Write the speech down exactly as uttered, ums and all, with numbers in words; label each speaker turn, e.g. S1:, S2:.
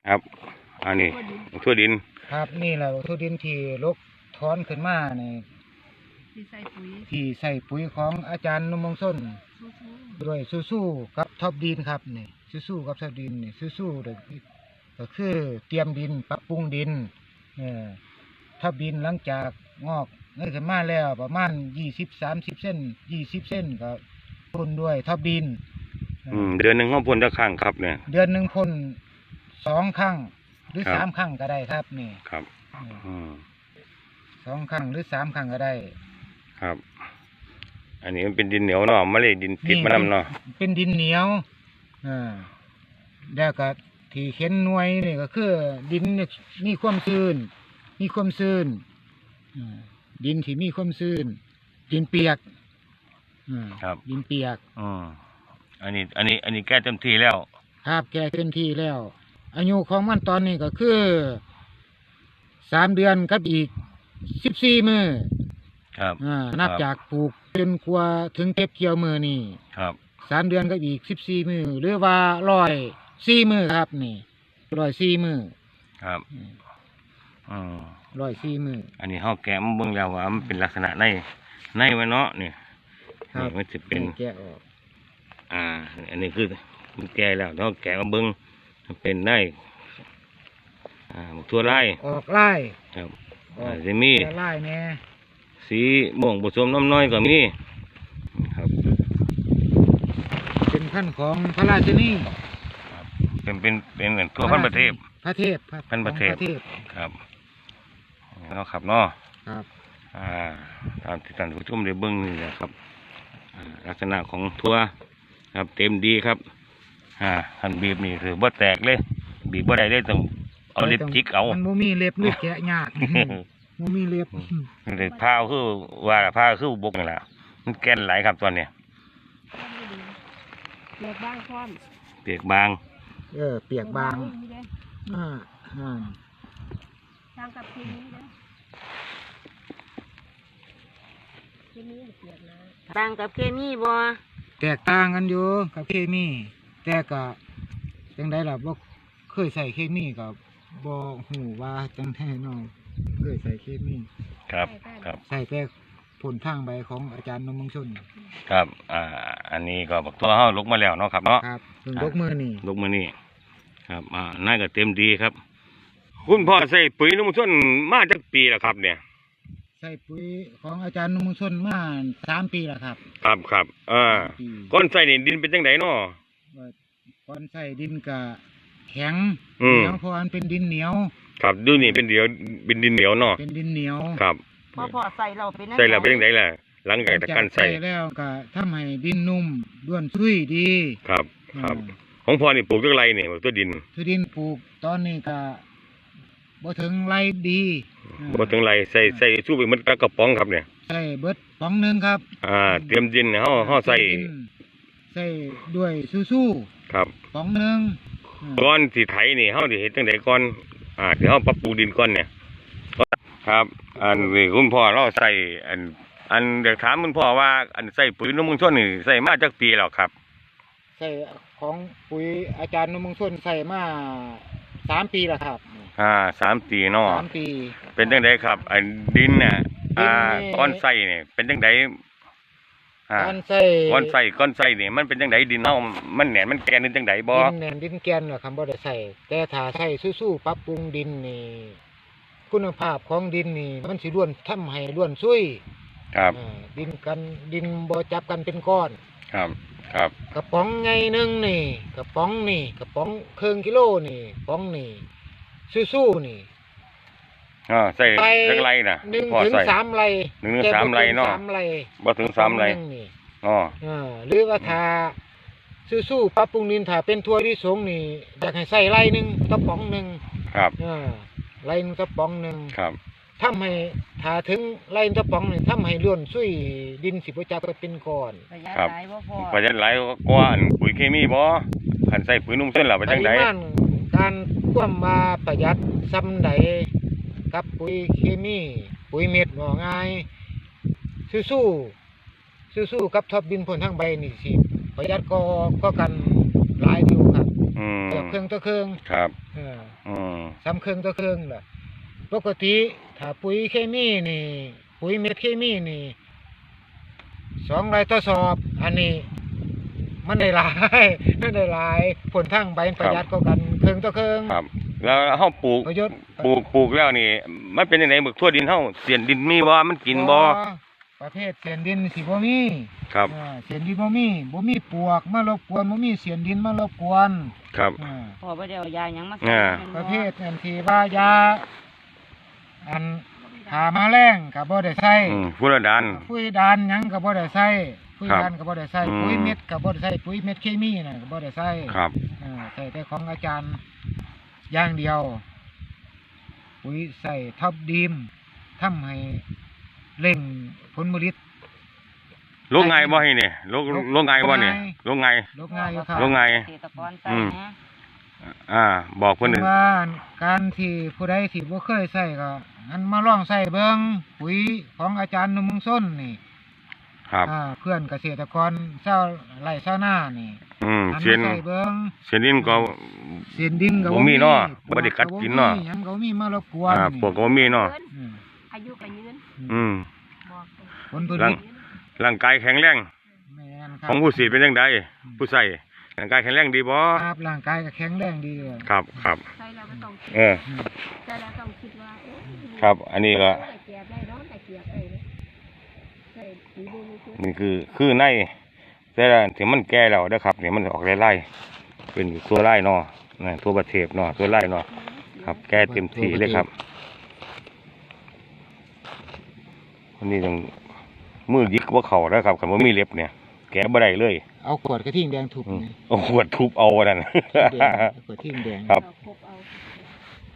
S1: ครับอันนี้ทั่วดิน
S2: ครับนี่แหละทั่วดินที่ลกถอนขึ้นมานี่
S3: ที่ใส่ปุ๋ย
S2: ที่ใส่ปุ๋ยของอาจารย์นมงส้นด้วยสู้ๆกับท็อปดินครับนี่สู้ๆกับท็อปดินนี่สู้ๆเด็กก็คือเตรียมดินปรับปรุงดินเนี่ยท็อปดินหลังจากงอกเงินขึ้นมาแล้วประมาณยี่สิบสามสิบเส้นยี่สิบเส้นก็พ่นด้วยท็อปดิน
S1: อืมเดือนหนึ่งเขาพ่นจะครั้งครับเนี่ย
S2: เดือนหนึ่งพ่นสองครั้งหรือสามครั้งก็ได้ครับนี่
S1: ครับอืม
S2: สองครั้งหรือสามครั้งก็ได้
S1: ครับอันนี้มันเป็นดินเหนียวเนาะไม่ได้ดินติดมานำเนาะ
S2: เป็นดินเหนียวอ่าแล้วก็ที่เข็นหน่วยนี่ก็คือดินมีความชื้นมีความชื้นดินที่มีความชื้นดินเปียก
S1: ครับ
S2: ดินเปียก
S1: อืมอันนี้อันนี้อันนี้แก้เต็มที่แล้ว
S2: ครับแก้เต็มที่แล้วอายุของมันตอนนี้ก็คือสามเดือนกับอีกสิบสี่มื้อ
S1: ครับ
S2: อ่านับจากปลูกจนกว่าถึงเก็บเกี่ยวมื้อนี่
S1: ครับ
S2: สามเดือนกับอีกสิบสี่มื้อหรือว่าร้อยสี่มื้อครับนี่ร้อยสี่มื้อ
S1: ครับอืม
S2: ร้อยสี่มื้อ
S1: อันนี้เฮาแกะมันเบิ่งแล้วว่ามันเป็นลักษณะในในมันเนาะนี่นี่มันจะเป็น
S2: แกะออก
S1: อ่าอันนี้คือมันแก่แล้วเฮาแกะมาเบิ่งมันเป็นในอ่าทั่วไร่
S2: ออกไร่
S1: ครับอ่าจะมี
S2: ไร่แน่
S1: สีม่วงผสมน้ำน้อยก็มีครับ
S2: เป็นพันธุ์ของพระราชินี
S1: ครับเป็นเป็นเป็นเหมือนทั่วพันธุ์ประเทศ
S2: พระเทพ
S1: พันธุ์ประเทศครับเนาะครับเนาะ
S2: ครับ
S1: อ่าตามที่ท่านผู้ชมได้เบิ่งนี่แหละครับลักษณะของทั่วครับเต็มดีครับอ่าหันบีบนี่คือบ่แตกเลยบีบบ่ได้เลยต้องเอาเล็บจิกเอา
S2: มันบ่มีเล็บหรือแกะยากบ่มีเล็บ
S1: เล็บผ้าคือว่าผ้าคือบกนี่แหละมันแก่นหลายครับตอนเนี้ย
S3: เปียกบางพร้อม
S1: เปียกบาง
S2: เออเปียกบางอ่าอ่า
S3: ทางกับเคมีนะเคมีเปียกนะต่างกับเคมีบ่
S2: แตกต่างกันอยู่กับเคมีแต่ก็จังไดล่ะบ่เคยใส่เคมีกับบ่ฮู้ว่าจังได๋น้องเคยใส่เคมี
S1: ครับครับ
S2: ใส่แต่ผลทางใบของอาจารย์นมงชน
S1: ครับอ่าอันนี้ก็บอกตัวเฮาลกมาแล้วเนาะครับเนาะ
S2: ครับลกมือนี่
S1: ลกมือนี่ครับอ่าน่าก็เต็มดีครับคุณพ่อใส่ปุ๋ยนมงชนมาจากปีแล้วครับเนี่ย
S2: ใส่ปุ๋ยของอาจารย์นมงชนมาสามปีแล้วครับ
S1: ครับครับอ่าก้อนใส่นี่ดินเป็นจังไดเนาะ
S2: ก้อนใส่ดินกะแข็งเหนียวเพราะมันเป็นดินเหนียว
S1: ครับดูนี่เป็นเดียวเป็นดินเหนียวเนาะ
S2: เป็นดินเหนียว
S1: ครับ
S3: พอพอใส่เราเป็น
S1: ใส่เราเป็นจังไดล่ะหลังจากการใส่
S2: แล้วก็ทำให้ดินนุ่มด้วนซุยดี
S1: ครับครับของพ่อนี่ปลูกจังไรนี่ตัวดิน
S2: ตัวดินปลูกตอนนี้ก็บ่ถึงไรดี
S1: บ่ถึงไรใส่ใส่สู้ไปมันกระป๋องครับเนี่ย
S2: ใส่เบิดป๋องนึงครับ
S1: อ่าเตรียมดินเฮาเฮาใส่
S2: ใส่ด้วยสู้
S1: ๆครับ
S2: ป๋องนึง
S1: ก่อนสิไถนี่เฮาสิเฮ็ดจังไดก่อนอ่าที่เฮาปรับปรุงดินก่อนเนี่ยครับอันนี้คุณพ่อเราใส่อันอันเดี๋ยวถามคุณพ่อว่าอันใส่ปุ๋ยนมงชนนี่ใส่มาจากปีแล้วครับ
S2: ใส่ของปุ๋ยอาจารย์นมงชนใส่มาสามปีแล้วครับ
S1: อ่าสามปีเนาะ
S2: สามปี
S1: เป็นจังไดครับอันดินน่ะอ่าก้อนใส่นี่เป็นจังได
S2: อ่าก้อนใส่
S1: ก้อนใส่ก้อนใส่นี่มันเป็นจังไดดินเฮามันแหนมันแกนจังไดบ่
S2: ดินแหนดินแกนเหรอครับบ่ได้ใส่แต่ถ้าใส่สู้ๆปรับปรุงดินนี่คุณภาพของดินนี่มันสิร่วนทำให้ร่วนซุย
S1: ครับ
S2: ดินกันดินบ่จับกันเป็นก้อน
S1: ครับครับ
S2: กระป๋องไงนึงนี่กระป๋องนี่กระป๋องครึ่งกิโลนี่ป๋องนี่สู้ๆนี่
S1: อ่าใส่จักไรน่ะ
S2: หนึ่งถึงสามไร
S1: หนึ่งถึงสามไรเนาะบ่ถึงสามไรอ๋อ
S2: อ่าหรือว่าถ้าสู้ๆปรับปรุงดินถ้าเป็นทั่วที่สงนี่อยากให้ใส่ไรนึงกระป๋องนึง
S1: ครับ
S2: อ่าไรนึงกระป๋องนึง
S1: ครับ
S2: ทำให้ถ้าถึงไรกระป๋องนี่ทำให้ล้วนซุยดินสิบ่จับเป็นก้อน
S1: ครับประหยัดหลายกว่าปุ๋ยเคมีบ่คันใส่ปุ๋ยนุ่มเส้นล่ะเป็นจังได๋
S2: การควบมาประหยัดซ้ำใดกับปุ๋ยเคมีปุ๋ยเม็ดว่าง่ายสู้ๆสู้ๆกับท็อปดินพ่นทางใบนี่สิประหยัดก็ก็กันหลายอยู่ครับ
S1: อือืม
S2: เกือบเครื่องต่อเครื่อง
S1: ครับ
S2: เออ
S1: อืม
S2: ซ้ำเครื่องต่อเครื่องล่ะปกติถ้าปุ๋ยเคมีนี่ ปุ๋ยเม็ดเคมีนี่สองร้อยต่อสอบ อันนี้ มันได้หลาย มันได้หลายผลทั้งใบประหยัดก็กันเครื่องต่อเครื่อง
S1: ครับ แล้วเฮาปลูก
S2: ประโยชน์
S1: ปลูกปลูกแล้วนี่ มันเป็นจังได๋บึกทั่วดินเฮาเสียนดินมีบ่มันกินบ่
S2: ประเภทเสียนดินสิบ่มี
S1: ครับ
S2: อ่าเสียนดินบ่มีบ่มีปลวกมารบกวนบ่มีเสียนดินมารบกวน
S1: ครับ
S2: อ่า
S3: พอบ่ได้เอายาหยังมาใส่
S1: อ่า
S3: มัน
S2: ป
S3: บ่
S2: ระเภทอันที่ว่ายาอันหามาแรงก็บ่ได้ใช้
S1: อืมฟุรดาน
S2: ปุ๋ยดานหยังก็บ่ได้ใช้ปุ๋ย
S1: ครับ
S2: ดานก็บ่ได้ใช้
S1: อืม
S2: ปุ๋ยเม็ดก็บ่ได้ใช้ปุ๋ยเม็ดเคมีน่ะก็บ่ได้ใช้
S1: ครับ
S2: อ่าใช้แต่ของอาจารย์อย่างเดียวปุ๋ยใส่ท็อปดีมทำให้เร่งผลผลิต
S1: ลงไงบ่ให้นี่ลงลงไงบ่นี่ลงไง
S2: ลดง่ายอยู่ครับ
S1: ลงไง
S3: เกษตรกรใส่
S1: อืม
S3: นะ
S1: อ่า บอกเพิ่น
S2: ถึงว่าการที่ผู้ใดที่บ่เคยใส่ก็อันมาลองใส่เบิ่งปุ๋ยของอาจารย์หนุ่มเมืองส้นนี่
S1: ครับ
S2: อ่าเพื่อนเกษตรกรชาวไร่ชาวนานี่
S1: อืม
S2: อัน
S1: เสียน
S2: มาใส่เบิ่ง
S1: เสียนดินก็
S2: เสียนดินก็
S1: บ่มีเนาะบ่ได้กัดกินเนาะ
S2: ปลวก็บ่มีหยังก็บ่มีมารบกวน
S1: อ่าพวกก็บ่มีเนาะ
S2: อืม
S3: อายุก็ยืน
S1: อืม
S3: บอกเลย
S2: ผลผ
S1: ร่า
S2: ลิ
S1: ง
S2: ต
S1: ร่างกายแข็งแรง
S2: แม่นค
S1: ข
S2: รับ
S1: องผู้ฉีดเป็นจังไดผู้ใส่ร่างกายแข็งแรงดีบ่
S2: ครับร่างกายก็แข็งแรงดีเลย
S1: ครับครับ
S3: ใส่แล้วก็ต้องคิด
S1: เออ
S2: อืม
S3: ใส่แล้วต้องคิดว่าเอ๊ะ
S1: ครับ อันนี้ก็
S3: แต่เกียบได้ร้อนแต่เกียบได้เลยใส่สีดูนี่คือ
S1: นี่คือคือในแต่ละถึงมันแก่แล้วนะครับนี่มันออกไล่ๆเป็นตัวไล่เนาะนี่ตัวประเทศเนาะตัวไล่เนาะครับ แก่เต็มที่เลยครับอันนี้ต้องมือยิกว่าเข่าแล้วครับคันบ่มีเล็บเนี่ย แกะบ่ได้เลย
S2: เอาขวดกระทิ่งแดงทุบ
S1: อืม
S2: นี่
S1: เอาขวดทุบเอาว่านั่น
S2: แดงขวดทิ่งแดง
S1: ครับ
S3: เราพบเอา